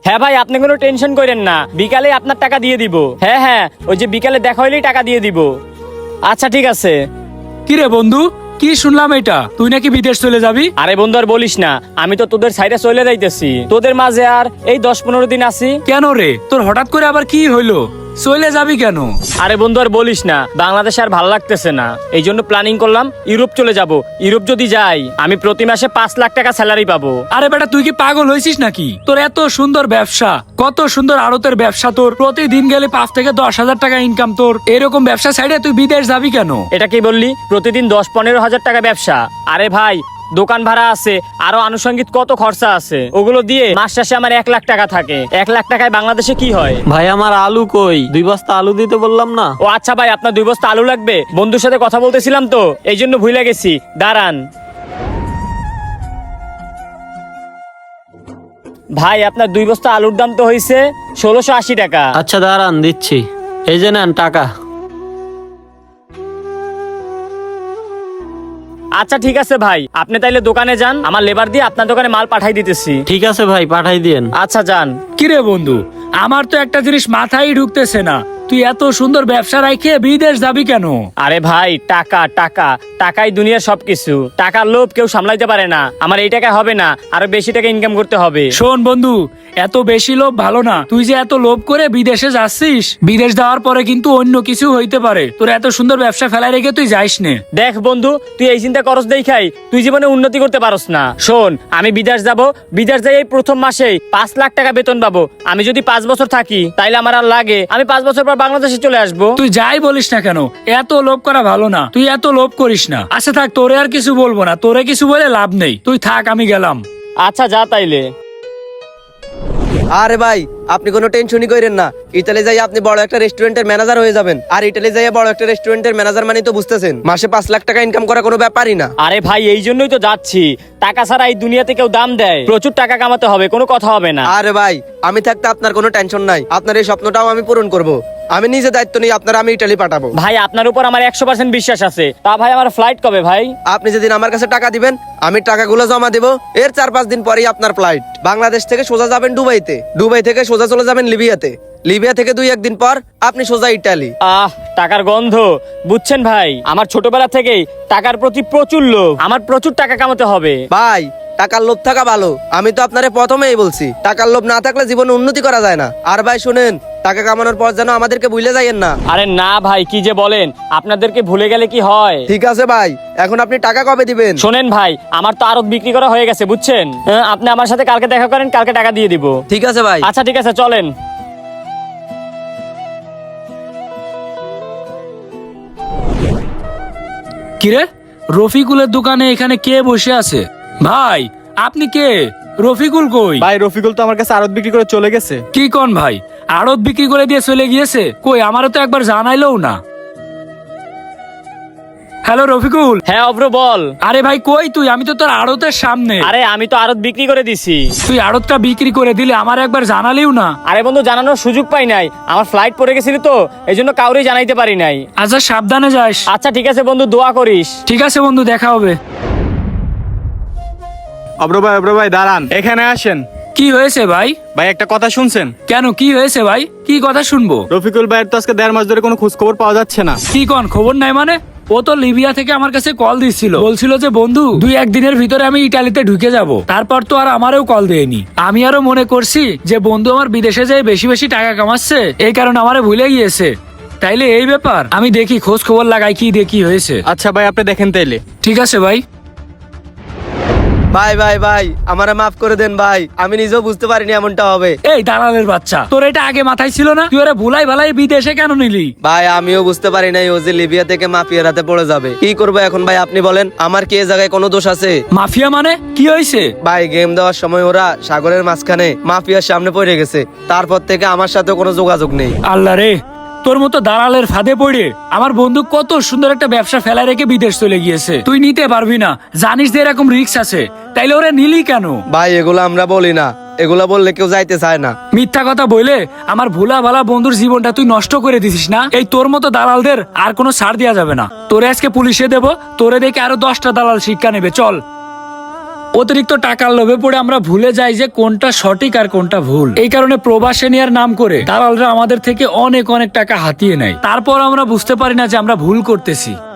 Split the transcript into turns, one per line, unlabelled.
হ্যাঁ ভাই, আপনি কোনো টেনশন করেন না, বিকালে আপনার টাকা দিয়ে দিব। হ্যাঁ হ্যাঁ, ওই যে বিকালে দেখা হইলেই টাকা দিয়ে দিব। আচ্ছা ঠিক আছে।
কি রে বন্ধু, কি শুনলাম এটা তুই নাকি বিদেশ চলে যাবি?
আরে বন্ধু আর বলিস না, আমি তো তোদের সাইডে চলে যাইতেছি, তোদের মাঝে আর এই 10-15 দিন আছি।
কেন রে, তোর হঠাৎ করে আবার কি হইলো? চলে যাবি কেন?
আরে বন্ধু আর বলিস না, বাংলাদেশে আর ভালো লাগতেছে না, এই জন্য প্ল্যানিং করলাম ইউরোপ চলে যাব। ইউরোপ যদি যাই আমি প্রতি মাসে 5 লাখ টাকা স্যালারি পাবো।
আরে বেটা, তুই কি পাগল হয়েছিস নাকি? তোর এত সুন্দর ব্যবসা, কত সুন্দর আড়তের ব্যবসা, তোর প্রতিদিন গেলে 5 থেকে 10 হাজার টাকা ইনকাম, তোর এরকম ব্যবসা সাইডে তুই বিদেশ যাবি কেন?
এটা কি বললি? প্রতিদিন 10-15 হাজার টাকা ব্যবসা? আরে ভাই, দোকান ভাড়া আছে, আরো আনুষঙ্গিক কত খরচা আছে, ওগুলো দিয়ে মাস শেষে আমার 1 লাখ টাকা থাকে। 1 লাখ টাকায় বাংলাদেশে কি হয়?
ভাই আমার আলু কই? 2 বস্তা আলু দিতে বললাম না?
ও আচ্ছা ভাই, আপনার 2 বস্তা আলু লাগবে? বন্ধুর সাথে কথা বলতেছিলাম তো, এই জন্য ভুলে গেছি, দাঁড়ান। ভাই আপনার 2 বস্তা আলুর দাম তো হয়েছে 1680 টাকা।
আচ্ছা দাঁড়ান, দিচ্ছি। এই যে নেন টাকা।
আচ্ছা ঠিক আছে ভাই, আপনি তাইলে দোকানে যান, আমার লেবার দিয়ে আপনার দোকানে মাল পাঠাই দিতেছি।
ঠিক আছে ভাই, পাঠাই দিয়েন।
আচ্ছা যান।
কি রে বন্ধু, আমার তো একটা জিনিস মাথায় ঢুকতেছে না, তুই এত সুন্দর ব্যবসা রাখে বিদেশ যাবি কেন?
আরে ভাই, টাকা টাকা টাকাই দুনিয়ার সবকিছু। টাকার লোভ কেউ সামলাইতে পারে না। আমার এই টাকা হবে না, আরো বেশি টাকা ইনকাম করতে হবে।
শোন বন্ধু, এত বেশি লোভ ভালো না। তুই যে এত লোভ করে বিদেশে যাচ্ছিস, বিদেশ যাওয়ার পরে কিন্তু অন্য কিছু হইতে পারে। তোর এত সুন্দর ব্যবসা ফেলাই রেখে তুই যাইস নে।
দেখ বন্ধু, তুই এই চিন্তা করস দেখাই তুই জীবনে উন্নতি করতে পারস না। শোন, আমি বিদেশ যাব, বিদেশ যাই এই প্রথম মাসেই 5 লাখ টাকা বেতন পাবো। আমি যদি 5 বছর থাকি তাইলে আমার আর লাগে, আমি 5 বছর পর বাংলাদেশে চলে আসবো।
তুই যাই বলিস না কেন, এত লোভ করা ভালো না। তুই এত লোভ করিস না। আচ্ছা থাক, তোরে আর কিছু বলবো না, তোরে কিছু বলে লাভ নেই। তুই থাক, আমি গেলাম।
আচ্ছা যা তাইলে।
আরে ভাই, আপনি কোনো টেনশনই করেন না। ইতালি যাই আপনি বড় একটা রেস্টুরেন্টের ম্যানেজার হয়ে যাবেন। আর ইতালি যাই বড় একটা রেস্টুরেন্টের ম্যানেজার মানে তো বুঝতেছেন, মাসে 5 লাখ টাকা ইনকাম করা কোনো ব্যাপারই না।
আরে ভাই, এই জন্যই তো যাচ্ছি। টাকা ছাড়া এই দুনিয়াতে কেউ দাম দেয়? প্রচুর টাকা কামাতে হবে, কোনো কথা হবে না।
আরে ভাই, আমি থাকতে আপনার কোনো টেনশন নাই। আপনার এই স্বপ্নটাও আমি পূরণ করব। আমি নিজে দায়িত্ব নিয়ে আপনার আমি ইতালি পাঠাবো।
ভাই আপনার উপর আমার 100% বিশ্বাস আছে। তা ভাই, আমার ফ্লাইট কবে ভাই?
আপনি যেদিন আমার কাছে টাকা দিবেন, আমি টাকাগুলো জমা দেবো। এর 4-5 দিন পরেই আপনার ফ্লাইট। বাংলাদেশ থেকে সোজা যাবেন দুবাইতে, দুবাই থেকে সোজা চলে যাবেন লিবিয়াতে, লিবিয়া থেকে 2-1 দিন পর আপনি সোজা ইটালি।
টাকার গন্ধ, বুঝছেন ভাই, আমার ছোটবেলা থেকেই টাকার প্রতি প্রচুর লোভ। আমার প্রচুর টাকা কামাতে হবে।
ভাই, টাকার লোভ থাকা ভালো। আমি তো আপনারে প্রথমেই বলছি, টাকার লোভ না থাকলে জীবনে উন্নতি করা যায় না। আর ভাই শুনেন, টাকা কামানোর পর যেন আমাদেরকে ভুলে যাইয়েন না।
আরে না ভাই, কি যে বলেন, আপনাদেরকে ভুলে গেলে কি হয়?
ঠিক আছে ভাই, এখন আপনি টাকা কবে দিবেন?
শোনেন ভাই, আমার তো আরত বিক্রি করা হয়ে গেছে, বুঝছেন। আপনি আমার সাথে কালকে দেখা করেন, কালকে টাকা দিয়ে দিব।
ঠিক আছে ভাই।
আচ্ছা ঠিক আছে, চলেন।
কিরে, রফিকুলের দোকানে এখানে কে বসে আছে? ভাই আপনি কে? রফিকুল কই?
ভাই রফিকুল তো আমার কাছে আড়ত বিক্রি করে চলে গেছে।
কি কোন ভাই, আড়ত বিক্রি করে দিয়ে চলে গিয়েছে? কই, আমারও তো একবার জানাইলেও না। হ্যালো রফিকুল।
হ্যাঁ অব্র, বল।
আরে ভাই কই তুই? আমি তো তোর আড়তের সামনে।
আরে আমি তো আরত বিক্রি করে দিছি।
তুই আড়তটা বিক্রি করে দিলে, আমার একবার জানালিও না।
আরে বন্ধু, জানানোর সুযোগ পাই নাই, আমার ফ্লাইট পড়ে গেছিল তো, এই জন্য কাউরেই জানাইতে পারি নাই।
আচ্ছা সাবধানে যাস।
আচ্ছা ঠিক আছে বন্ধু, দোয়া করিস।
ঠিক আছে বন্ধু, দেখা হবে।
অব্র ভাই দাঁড়ান, এখানে আসেন।
কি হয়েছে ভাই?
ভাই একটা কথা শুনছেন?
কেন, কি হয়েছে ভাই? কি কথা শুনবো?
রফিকুল ভাইয়ের তো আজকে 1.5 মাস ধরে কোনো খোঁজ খবর পাওয়া যাচ্ছে না।
কি কোন, খবর নাই মানে? ও তো লিবিয়া থেকে আমার কাছে কল দিচ্ছিল, বলছিল যে বন্ধু 2-1 দিনের ভিতরে আমি ইটালিতে ঢুকে যাব। তারপর তো আর আমারও কল দেয়নি। আমি আরো মনে করছি যে বন্ধু আমার বিদেশে যায় বেশি বেশি টাকা কামাচ্ছে, এই কারণে আমারে ভুলে গিয়েছে। তাইলে এই ব্যাপার, আমি দেখি খোঁজ খবর লাগাই কি দেখি হয়েছে।
আচ্ছা ভাই, আপনি দেখেন তাইলে।
ঠিক আছে ভাই।
ভাই ভাই ভাই, আমারে মাফ করে দেন ভাই, আমি নিজেও বুঝতে পারিনি এমনটা হবে।
এই দালালের বাচ্চা, তোর এটা আগে মাথায় ছিল না? তুই ওরা ভুলাই ভালাই বিদেশে কেন নিলি?
ভাই আমিও বুঝতে পারি নাই ও যে লিবিয়া থেকে মাফিয়ার হাতে পড়ে যাবে। কি করবো এখন ভাই, আপনি বলেন, আমার কি এ জায়গায় কোনো দোষ আছে?
মাফিয়া মানে কি হয়েছে?
ভাই গেম দেওয়ার সময় ওরা সাগরের মাঝখানে মাফিয়ার সামনে পড়ে গেছে, তারপর থেকে আমার সাথে কোনো যোগাযোগ নেই।
আল্লাহ রে, তোর মতো দালালের ফাঁদে পড়ে আমার বন্ধু কত সুন্দর একটা ব্যবসা ফেলা রেখে বিদেশ চলে গিয়েছে। তুই নিতে পারবি না, জানিস যে এরকম রিস্ক আছে, তাইলে ওরা নিলি কেন?
ভাই এগুলো আমরা বলি না, এগুলা বললে কেউ যাইতে চায় না।
মিথ্যা কথা বলে আমার ভোলা ভালা বন্ধুর জীবনটা তুই নষ্ট করে দিছিস না। এই তোর মতো দালালদের আর কোনো ছাড় দেওয়া যাবে না। তোরে আজকে পুলিশে দেব, তোরে দেখে আরো 10টা দালাল শিক্ষা নেবে। চল। অতিরিক্ত টাকার লোভে পড়ে আমরা ভুলে যাই যে কোনটা সঠিক আর কোনটা ভুল। এই কারণে প্রবাসে নেওয়ার নাম করে দালালরা আমাদের থেকে অনেক অনেক টাকা হাতিয়ে নেয়। তারপর আমরা বুঝতে পারি না যে আমরা ভুল করতেছি।